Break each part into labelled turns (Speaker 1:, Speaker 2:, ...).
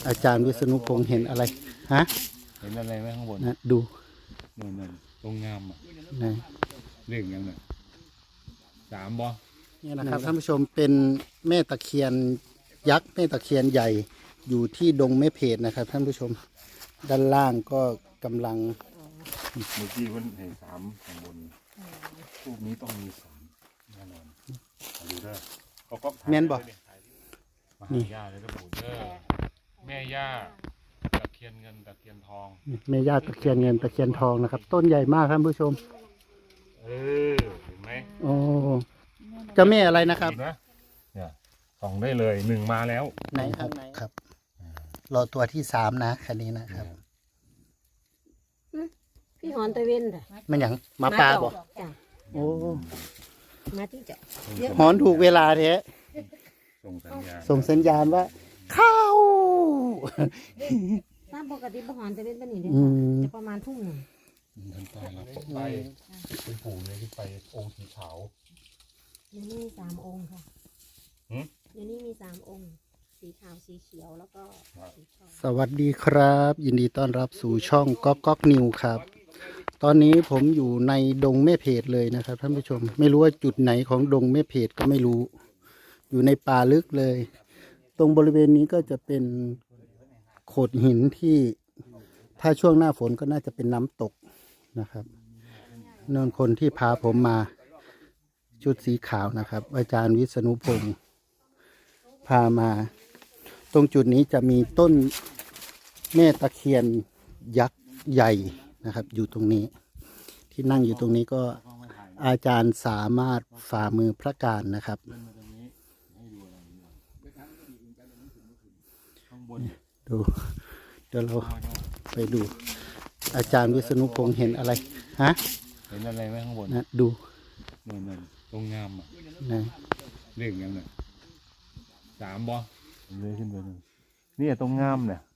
Speaker 1: อาจารย์วิษณุพงษ์เห็นอะไรฮะ
Speaker 2: เห็นอะไรไหมข้างบน
Speaker 1: นะดู
Speaker 2: นั่นตรงงามอ่ะ
Speaker 1: นะ
Speaker 2: เรื่องยังไง3บ่
Speaker 1: นี่นะครับท่านผู้ชมเป็นแม่ตะเคียนยักษ์แม่ตะเคียนใหญ่อยู่ที่ดงแม่เพจนะครับท่านผู้ชมด้านล่างก็กำลัง
Speaker 2: เมื่อกี้มันเห็น3ข้างบนรูปนี้ต้องมี3แน่นอนดูเด้อเขาก็
Speaker 1: แม่นบอก
Speaker 2: นี่ย่าเลยก็ปู่เด้อแม่ย่าตะเคียนเงินตะเคียนทอง
Speaker 1: แม่ย่าตะเคียนเงินตะเคียนทองนะครับต้นใหญ่มากท่านผู้ชม
Speaker 2: เห็นไหม
Speaker 1: โอ้เจ้าแม่อะไรนะครับ
Speaker 2: เนี่ยส่องได้เลย1มาแล้ว
Speaker 1: ไหนครับรอตัวที่3นะคันนี้นะครับ
Speaker 3: พี่หอนตะเวนจ้ะ
Speaker 1: มันอย่างมาปลาบอกโอ้
Speaker 3: มาที่จะ
Speaker 1: หอนถูกเวลาแท้
Speaker 2: ส่งสัญญาณ
Speaker 1: ว่าเข้า
Speaker 3: ตามปกติพี่หอนตะเวนเป็นนี่เลยจะประมาณทุ่มหนึ่ง
Speaker 2: ท่านตายแล้วไปเป็นปู่เลยที่ไปองค์สีขาว
Speaker 3: เดี๋ยวนี้มี3 องค์ค่ะเดี๋ยวนี้มี3 องค์สีขาวสีเขียวแล้วก็สีทอง
Speaker 1: สวัสดีครับยินดีต้อนรับสู่ช่องก๊อกนิวครับตอนนี้ผมอยู่ในดงแม่เพจเลยนะครับท่านผู้ชมไม่รู้ว่าจุดไหนของดงแม่เพจก็ไม่รู้อยู่ในป่าลึกเลยตรงบริเวณนี้ก็จะเป็นโขดหินที่ถ้าช่วงหน้าฝนก็น่าจะเป็นน้ำตกนะครับนนคนที่พาผมมาชุดสีขาวนะครับอาจารย์วิษณุพงษ์พามาตรงจุดนี้จะมีต้นแม่ตะเคียนยักษ์ใหญ่นะครับอยู่ตรงนี้ที่นั่งอยู่ตรงนี้ก็อาจารย์สามารถฝ่ามือพระการนะครับดูเดี๋ยวเราไปดูอาจารย์วิษณุพงษ์เห็นอะไรฮะ
Speaker 2: เห็นอะไรไหมข้างบน
Speaker 1: นะดู
Speaker 2: นั่นตรงงามอ่ะ
Speaker 1: นะ
Speaker 2: เรื่องยังไง3บ่เลยขึ้นไปนี่ตรงงามเนี่ย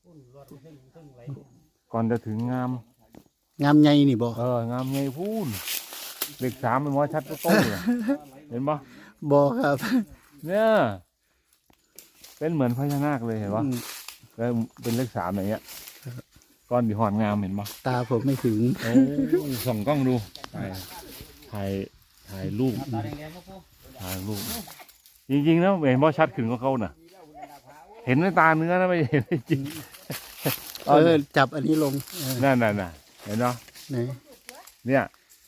Speaker 2: ก่อนจะถึงงาม
Speaker 1: ใหญ่นี่บ่
Speaker 2: งามใหญ่พูนเลข3มันว่าชัดก็โตเลยเห็นบ่
Speaker 1: ครับ
Speaker 2: เนี่ยเป็นเหมือนพญานาคเลยเห็นบ่แล้วเป็นเลข3อย่างเงี้ยก้อนดีหอนงามเห็นบ่
Speaker 1: ตาผมไม่ถึง
Speaker 2: ส่องกล้องดูถ่ายรูปจริงๆนะเห็นบ่ชัดขึ้นก็เขาน่ะเห็นในตาเนื้อนะไม่เห็นจริง
Speaker 1: จับอันนี้ลง
Speaker 2: นั่นเห็นเนาะเนี่ย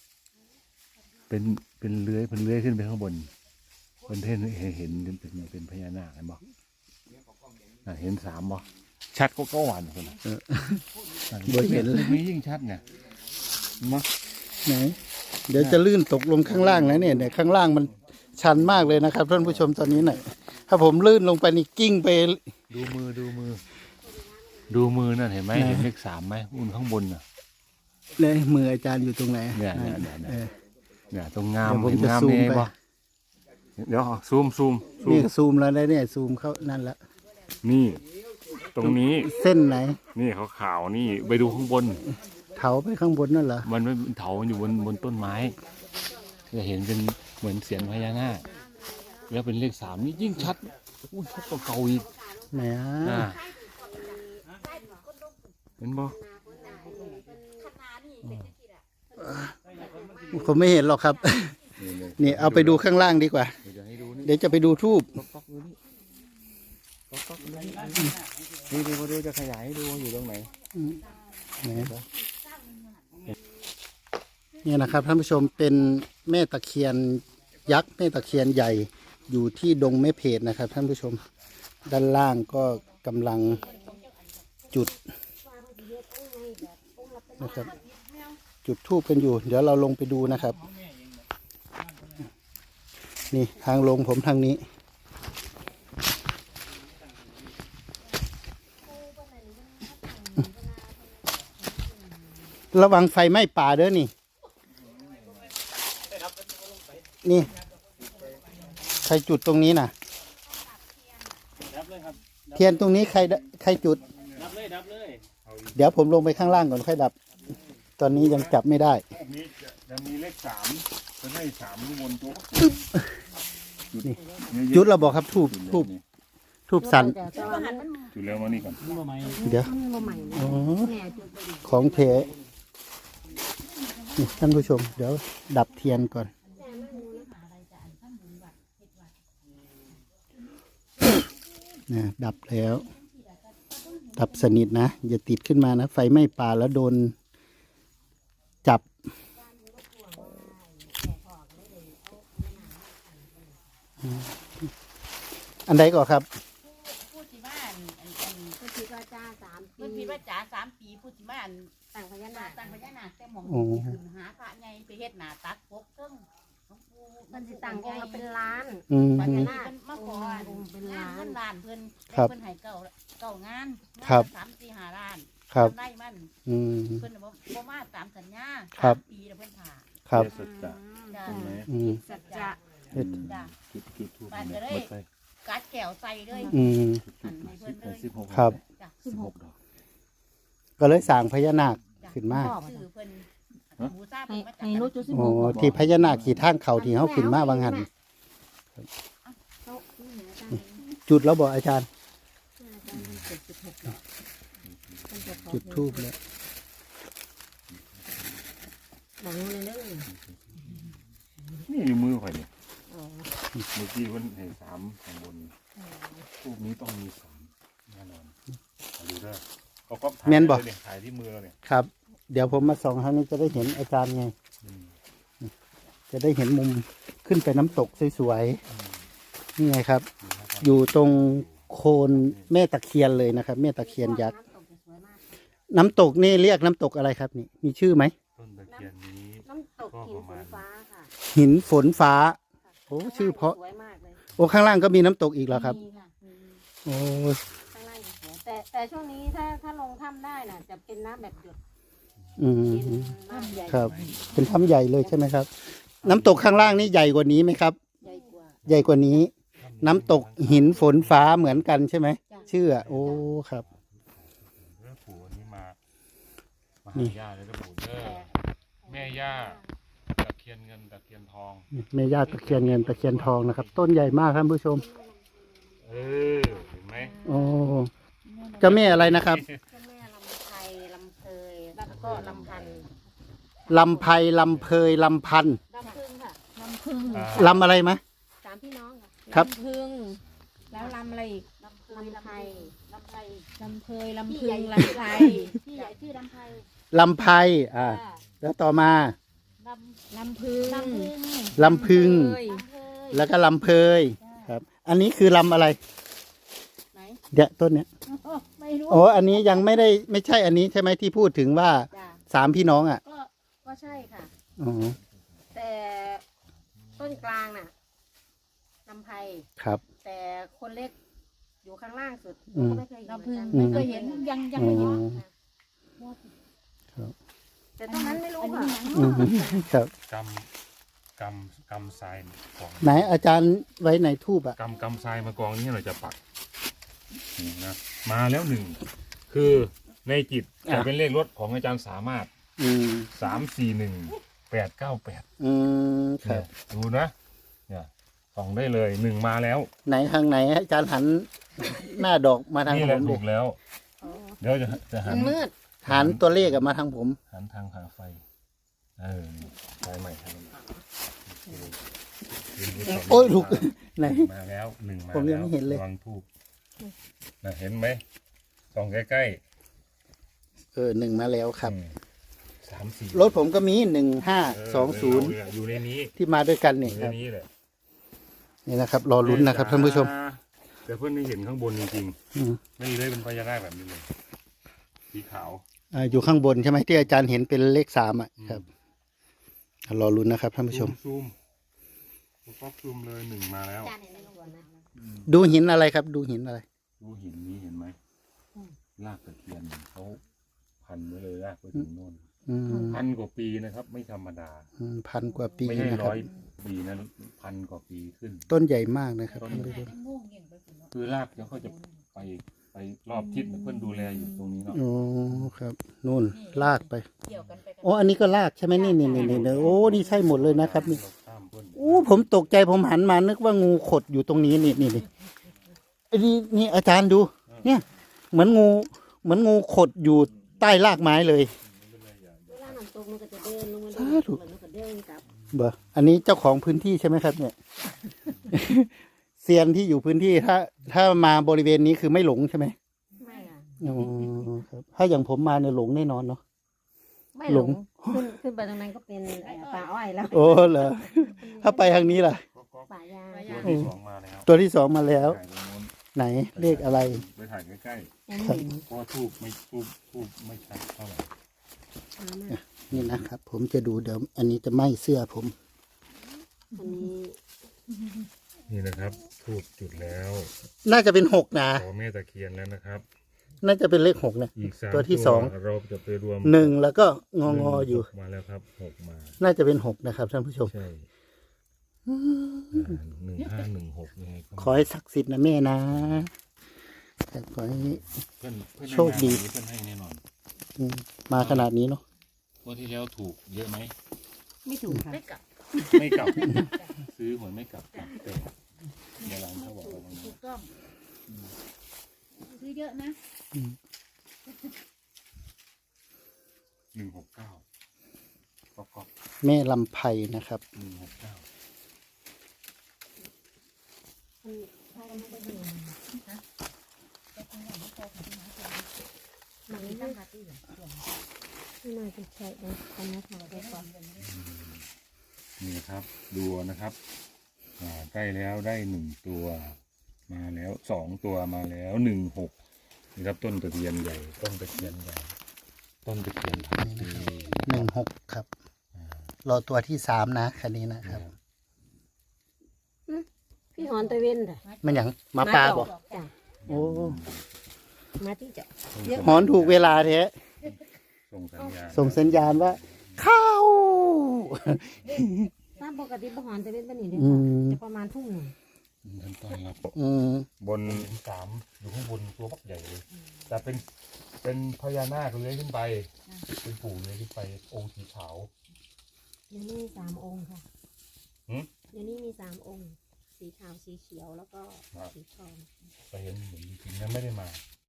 Speaker 2: เป็นเลื้อยขึ้นไปข้างบนเห็นเป็นพญานาคเห็นบ่เห็น3บ่ชัดก็หวานคนน่ะ
Speaker 1: เห็นเลย
Speaker 2: มียิ่งชัดเนี่ยมั้ง
Speaker 1: ไหนเดี๋ยวจะลื่นตกลงข้างล่างแล้วเนี่ยข้างล่างมันชันมากเลยนะครับท่านผู้ชมตอนนี้หน่อยถ้าผมลื่นลงไปนี่กิ้งไป
Speaker 2: ดูมือนั่นเห็นไหมเห็นเลข3ไหมอุ่นข้างบนน่ะ
Speaker 1: เลยมืออาจารย์อยู่ตรงไหน
Speaker 2: เนี่ยตรงงาม
Speaker 1: ผมจะซูมไป
Speaker 2: เดี๋ยวซูม
Speaker 1: นี่ซูมแล้วเนี่ยซูมเข้านั่นแล้ว
Speaker 2: นี่ตรงนี้
Speaker 1: เส้นไหน
Speaker 2: นี่ขาวๆนี่ไปดูข้างบน
Speaker 1: เถาไปข้างบนนั่นเหรอ
Speaker 2: มันไม่เถาอยู่บนต้นไม้จะเห็นเป็นเหมือนเสียญพญานาคแล้วเป็นเลข3นี่ยิ่งชัดชัดกว่าเก่าอีก
Speaker 1: แหม
Speaker 2: เห็นบ่
Speaker 1: ผมไม่เห็นหรอกครับนี่เอาไปดูข้างล่างดีกว่าเดี๋ยวจะไปดูทูบ
Speaker 2: นี่ดูจะขยายดูอยู่ตรงไหน
Speaker 1: นี่นะครับท่านผู้ชมเป็นแม่ตะเคียนยักษ์แม่ตะเคียนใหญ่อยู่ที่ดงแม่เพจนะครับท่านผู้ชมด้านล่างก็กำลังจุดนะครับจุดธูปกันอยู่เดี๋ยวเราลงไปดูนะครับนี่ทางลงผมทางนี้ระวังไฟไหม้ป่าเด้อนี่ใครจุดตรงนี้น่ะเทียนตรงนี้ใครจุดดับเลยเดี๋ยวผมลงไปข้างล่างก่อนค่อยดับตอนนี้ยังจับไม่ได้
Speaker 2: จะมีเลข3จะให้3ข้างบนตัว
Speaker 1: จุดเราบอกครับทูบทูบสั่น
Speaker 3: แต่ว่ามัน
Speaker 2: จุดแล้วมานี่ก่อน
Speaker 1: เดี๋ยว
Speaker 3: มันบ่ใหม่นะ
Speaker 1: อ๋อ
Speaker 3: แม่จุดไปดิ
Speaker 1: ของเทนี่ท่านผู้ชม เดี๋ยวดับเทียนก่อน นะดับแล้ว ดับสนิทนะ อย่าติดขึ้นมานะ ไฟไหม้ป่าแล้วโดนจับ อันใดก่อนครับ
Speaker 4: พูดที่บ้านอัน
Speaker 3: ก็คิดว่าจ้า3
Speaker 4: เพิ่น
Speaker 3: ปี
Speaker 4: คิดว่าจ๋า3 ปีพูดที่บ้าน
Speaker 3: ต่างพญานาค
Speaker 4: ตั้งพญานาคแต่หมอง
Speaker 1: โอ้
Speaker 4: ขึ้นหาพระใหญ่ไปเฮ็ดหน้าตักปกเทิงหลวงปู่
Speaker 3: มันสิต่างองค์ละเป็นล้าน
Speaker 1: อืม
Speaker 4: ปัญญานาคเพิ่นมาขอ
Speaker 3: องค์เป็นล้าน
Speaker 4: เงินล้านเพิ่น
Speaker 1: ครับ
Speaker 4: เพิ่นให้เก้างาน
Speaker 1: ครับ
Speaker 4: งานละ3-4-5 ล้าน
Speaker 1: ครับ
Speaker 4: ทำได้มัน
Speaker 1: อืม
Speaker 4: เพิ่นน่ะบ่มาตามสัญญา
Speaker 1: ครับ
Speaker 4: 3 ปีแล้วเพิ่นผ่า
Speaker 1: ครับ
Speaker 2: เทศจะ
Speaker 4: จ้า
Speaker 2: ใช่ไหม
Speaker 1: อืม
Speaker 3: สัจจะ
Speaker 1: เฮ็ด
Speaker 4: จ้า
Speaker 2: จุดทูบ
Speaker 4: บ้านก็เลย
Speaker 2: หมดไป
Speaker 4: กัดแก้วใส่เลย
Speaker 1: อืม
Speaker 4: อันให้เพิ่นเลย
Speaker 2: 16
Speaker 1: ครับ
Speaker 4: จ้า
Speaker 2: 16ดอก
Speaker 1: ก็เลยสร้างพญานาคขึ้นมา
Speaker 4: ชื่อเพิ่นบูชาเพิ่นมาจาก
Speaker 3: ให้นุชจุดสิบ
Speaker 1: โอ้
Speaker 3: หก
Speaker 1: ที่พญานาคขี่ทางเขาที่เขาขึ้นมาบางหัน
Speaker 3: เขานี่เหรออาจารย์
Speaker 1: จุดแล้วบอกอาจารย์
Speaker 3: อาจารย์มี76ดอกมันจะขอ
Speaker 1: จุดทูบแล้ว
Speaker 3: บอกงูเลยเด้อ
Speaker 2: นี่อยู่มือข่อยเนี่ย
Speaker 3: อ๋อ
Speaker 2: เมื่อกี้มันให้3ข้างบนทูบนี้ต้องมี3แน่นอนเอาดูเด้อเขาก็ถ่าย
Speaker 1: แม่นบ่
Speaker 2: เลยเนี่ยถ่ายที่มือเราเนี่ย
Speaker 1: ครับ เดี๋ยวผมมาส่องทางนี้จะได้เห็นอาจารย์ไง
Speaker 2: อืม
Speaker 1: จะได้เห็นมุมขึ้นไปน้ำตกสวยๆนี่ไงครับ
Speaker 2: นี่นะครับ
Speaker 1: อยู่ตรงโคนแม่ตะเคียนเลยนะครับ แม่ตะเคียนยักษ์
Speaker 3: น้ำตกจะสวยมาก
Speaker 1: น้ำตกนี่เรียกน้ำตกอะไรครับนี่ มีชื่อไหม
Speaker 2: ต้นตะเคียนนี้
Speaker 3: น้ำตกหินฝนฟ้าค่ะ
Speaker 1: หินฝนฟ้า โอ้ชื่อเพราะ
Speaker 3: สวยมากเลย
Speaker 1: โอ้ข้างล่างก็มีน้ำตกอีกเหรอครับ
Speaker 3: มีค่ะมี
Speaker 1: โอ้
Speaker 3: ข้างล่างสวยแต่ช่วงนี้ถ้าลงถ้ำได้น่ะ จะเป็นน้ำแบบหยด
Speaker 1: อืม
Speaker 3: เย็นมากใหญ่
Speaker 1: ครับ เป็นถ้ำใหญ่เลยใช่ไหมครับ น้ำตกข้างล่างนี่ใหญ่กว่านี้ไหมครับ
Speaker 3: ใหญ่กว่า
Speaker 1: ใหญ่กว่านี้ น้ำตกหินฝนฟ้าเหมือนกันใช่ไหม
Speaker 3: จ้ะ
Speaker 1: ชื่ออะโอ้ครับ
Speaker 2: เรื่องปู่อันนี้มา
Speaker 1: นี่
Speaker 2: หาย่าเลยนะปู่เด้อแม่ย่าตะเคียนเงินตะเคียนทอง
Speaker 1: แม่ย่าตะเคียนเงินตะเคียนทองนะครับ ต้นใหญ่มากท่านผู้ชม
Speaker 2: เออเห็นไหม
Speaker 1: โอ้เจ้าแม่อะไรนะครับ
Speaker 3: เจ้าแม่ลำไพลำเพยแล้วก็ลำพันธ์
Speaker 1: ลำไพลำเพยลำพันธ์
Speaker 3: ลำพึงค่ะลำพึง
Speaker 2: อ่า
Speaker 1: ลำอะไรมะ
Speaker 3: สามพี่น้องค่ะ
Speaker 1: ครับ
Speaker 5: ลำพึงแล้วลำอะไรอีก
Speaker 3: ลำเพยลำไพลำไพ
Speaker 5: ลำเพย
Speaker 3: พี่
Speaker 5: ลำ
Speaker 3: ให
Speaker 5: พึ
Speaker 3: ญ่
Speaker 5: งลำไพ
Speaker 3: พี่ใหญ่ชื่อลำไพ
Speaker 1: ลำไพแล้วต่อมา
Speaker 3: ลำ
Speaker 5: ลำพึง
Speaker 3: ลำพึง
Speaker 1: ลำพึง
Speaker 5: เอ้ย
Speaker 3: ลำเพย
Speaker 1: แล้วก็ลำเพยครับ อันนี้คือลำอะไร
Speaker 3: ไหน
Speaker 1: เดี๋ยวต้นเนี้ย
Speaker 3: ไม่รู้
Speaker 1: โอ้อันนี้ยังไม่ใช่อันนี้ใช่ไหมที่พูดถึงว่า
Speaker 3: จ้ะ
Speaker 1: สามพี่น้องอ่ะ
Speaker 3: ก็ใช่ค่ะ
Speaker 1: อ๋อ
Speaker 3: แต่ต้นกลางน่ะลำไพ
Speaker 1: ครับ
Speaker 3: แต่คนเล็กอยู่ข้างล่างสุด
Speaker 1: อืม
Speaker 3: ก็ไม่เคยเห็น
Speaker 5: ลำพึง
Speaker 1: อืม
Speaker 5: ไม่เคยเห็นยังไม่เห็น
Speaker 1: ครับ
Speaker 3: แต่ตรงนั้นไม่รู้ค่ะ
Speaker 1: อืมครับ
Speaker 2: กำทรายกอง
Speaker 1: ไหนอาจารย์ไว้ในทูบอ่ะ
Speaker 2: กำทรายมากองนี่เราจะปักนี่นะมาแล้วหนึ่งคือในจิตจะเป็นเลขรถของอาจารย์สามารถ
Speaker 1: อืม
Speaker 2: 341-898
Speaker 1: อืมครับ
Speaker 2: ดูนะเนี่ยส่องได้เลยหนึ่งมาแล้ว
Speaker 1: ไหนทางไหนอาจารย์หันหน้าดอกมาทาง
Speaker 2: นี่
Speaker 1: ผ
Speaker 2: แหละ
Speaker 1: ม
Speaker 2: ถู
Speaker 1: ดิ
Speaker 2: กแล้ว เดี๋ยวจะหั
Speaker 3: มัน นมืด
Speaker 1: หันตัวเลขอะมาทางผม
Speaker 2: หันทางหาไฟไฟใหม่ครับ
Speaker 1: โอ้ยลูกไหน
Speaker 2: มาแล้วหนึ่งมา
Speaker 1: ผมยังไม่เห็นเลย
Speaker 2: ระวังทูบนะเห็นไหมส่องใกล้
Speaker 1: หนึ่งมาแล้วครับ
Speaker 2: 3-4
Speaker 1: รถผมก็มี1520
Speaker 2: อยู่ในนี้
Speaker 1: ที่มาด้วยกัน
Speaker 2: อ
Speaker 1: นี่
Speaker 2: ยู่
Speaker 1: ค
Speaker 2: ใน
Speaker 1: รับ
Speaker 2: นี้แหละ
Speaker 1: นี่นะครับ รอลุ้นนะครับท่านผู้ชม
Speaker 2: แต่เพื่อนไม่เห็นข้างบนจริง
Speaker 1: อืม
Speaker 2: ๆไม่เลยเป็นพญานาคแบบนี้เลยสีขาว
Speaker 1: อยู่ข้างบนใช่ไหมที่อาจารย์เห็นเป็นเลข3อ่ะครับ รอลุ้นนะครับท่านผู้ชม
Speaker 2: ซูมป๊อกซูมเลยหนึ่งมาแล้ว
Speaker 3: จานเห็นในหัวนะ
Speaker 1: ดูหินอะไรครับ ดูหินอะไร
Speaker 2: ดูหินนี้เห็นไหมรากตะเคียนเขาพันไว้เลยรากไปถึงโน่น
Speaker 1: อืม
Speaker 2: 1,000 กว่าปีนะครับ ไม่ธรรมดา
Speaker 1: 1,000 กว่าปี
Speaker 2: ไม่ใช่
Speaker 1: นะครับ
Speaker 2: 100 ปีนะ1,000 กว่าปีขึ้น
Speaker 1: ต้นใหญ่มากนะครับท่านผู้ชม
Speaker 2: คือรากเดี๋ยวเขาจะไปรอบทิศเพื่อนดูแลอยู่ตรงนี้เนาะ
Speaker 1: โอ้ครับนู่นลากไป
Speaker 4: เกี่ยวกันไปกัน
Speaker 1: โอ้อันนี้ก็ลากใช่ไหมนี่โอ้นี่ใช่หมดเลยนะครับนี่
Speaker 2: เราข้ามเพื่อน
Speaker 1: โอ้ผมตกใจผมหันมานึกว่างูขดอยู่ตรงนี้นี่ไอ้นี่อาจารย์ดู เนี่ย เหมือนงูขดอยู่ใต้รากไม้เลย
Speaker 3: เวลาน้ำตกมันก็จะเดินลงมา
Speaker 1: สาธุ
Speaker 3: มันก็เดินกลับ
Speaker 1: เบออันนี้เจ้าของพื้นที่ใช่ไหมครับ เนี่ย เซียนที่อยู่พื้นที่ถ้ามาบริเวณนี้คือไม่หลงใช่ไหม
Speaker 3: ไม่อ่ะ
Speaker 1: อ๋อครับ ถ้าอย่างผมมาเนี่ยหลงแน่นอนเนาะ
Speaker 3: ไม่
Speaker 1: ห
Speaker 3: ห
Speaker 1: ล
Speaker 3: ล
Speaker 1: ง
Speaker 3: งขึ้นไปตรงนั้นก็เป็นป่าอ้อยแล้ว
Speaker 1: โอ้เหรอ ถ้าไปทางนี้ล่ะ
Speaker 3: ป่ายาง
Speaker 2: ตัวที่สองมาแล้ว
Speaker 1: ตัวที่สองมาแล้ว
Speaker 2: ถ่ายตรงโน้น
Speaker 1: ไหนเลขอะไร
Speaker 2: ไปถ่ายใกล้
Speaker 3: ยังเห็น
Speaker 2: ๆเพราะว่าทูบไม่ชัดเท่าไหร่
Speaker 3: ช้ามาก
Speaker 1: นี่นะครับ ผมจะดูเดี๋ยวอันนี้จะไหม้เสื้อผม
Speaker 3: อันนี้
Speaker 2: นี่นะครับทูบจุดแล้ว
Speaker 1: น่าจะเป็น6นะ
Speaker 2: ขอแม่ตะเคียนแล้วนะครับ
Speaker 1: น่าจะเป็นเลข6นะ
Speaker 2: อีก3
Speaker 1: ตัวที่สอง
Speaker 2: เราจะไปรวม
Speaker 1: 1แล้วก็งองออยู่
Speaker 2: มาแล้วครับ6มา
Speaker 1: น่าจะเป็น6นะครับท่านผู้ชม
Speaker 2: ใช่1516ยังไงก็
Speaker 1: ขอให้ศักดิ์สิทธิ์นะแม่นะแต่ขอให้
Speaker 2: เพื่อน
Speaker 1: โชคดี
Speaker 2: เพื่อนให้แน่นอน
Speaker 1: มาขนาดนี้เนาะ
Speaker 2: งวดที่แล้วถูกเยอะไหม
Speaker 3: ไม่ถูกค่ะ
Speaker 4: ไม่กลับ
Speaker 2: ไม่กลับ ซื้อหวยไม่กลับกลับแต่เดี๋ยวหลังเขาบอกว่า
Speaker 4: ถูกต้องซื้อเยอะนะ
Speaker 2: 169ก็
Speaker 1: แม่ลำไพนะครับ
Speaker 2: 169
Speaker 3: มันไม่ตั้งที่ไม่น่าจะใช่นะทำนะค่ะได้ก่อน
Speaker 2: นี่นะครับดูนะครับใกล้แล้วได้1ตัวมาแล้ว2ตัวมาแล้ว16นี่ครับต้นตะเคียนใหญ่ต้นตะเคียนใหญ่ต้นตะเคียนพันปี
Speaker 1: 16ครับ รอตัวที่3นะคันนี้นะครับ
Speaker 3: พี่หอนตะเวนจ้ะ
Speaker 1: มันอย่างหมาปลาบอก
Speaker 3: จ้ะ
Speaker 1: โอ้
Speaker 3: มาที่จะ
Speaker 1: หอนถูกเวลาแท้
Speaker 2: ส่งสัญญาณ
Speaker 1: ส่งสัญญาณว่า เข้า
Speaker 3: ตามปกติพี่หอนตะเวนเป็นนี่เด้
Speaker 1: อืม
Speaker 3: จะประมาณทุ่มหนึ่ง
Speaker 2: ท่านต้อนรับบ
Speaker 1: น
Speaker 2: 3อยู่ข้างบนตัวบักใหญ่เลยแต่เป็นพญานาคเลื้อยขึ้นไปเป็นปู่เลื้อยขึ้นไปองค์สีขาว
Speaker 3: เดี๋ยวนี้มี3 องค์ค่ะ
Speaker 2: หืม
Speaker 3: เดี๋ยวนี้มี3 องค์ สีขาวสีเขียวแล้วก็สีทอง
Speaker 2: ไปเห็นเหมือนจริงๆนะไม่ได้มา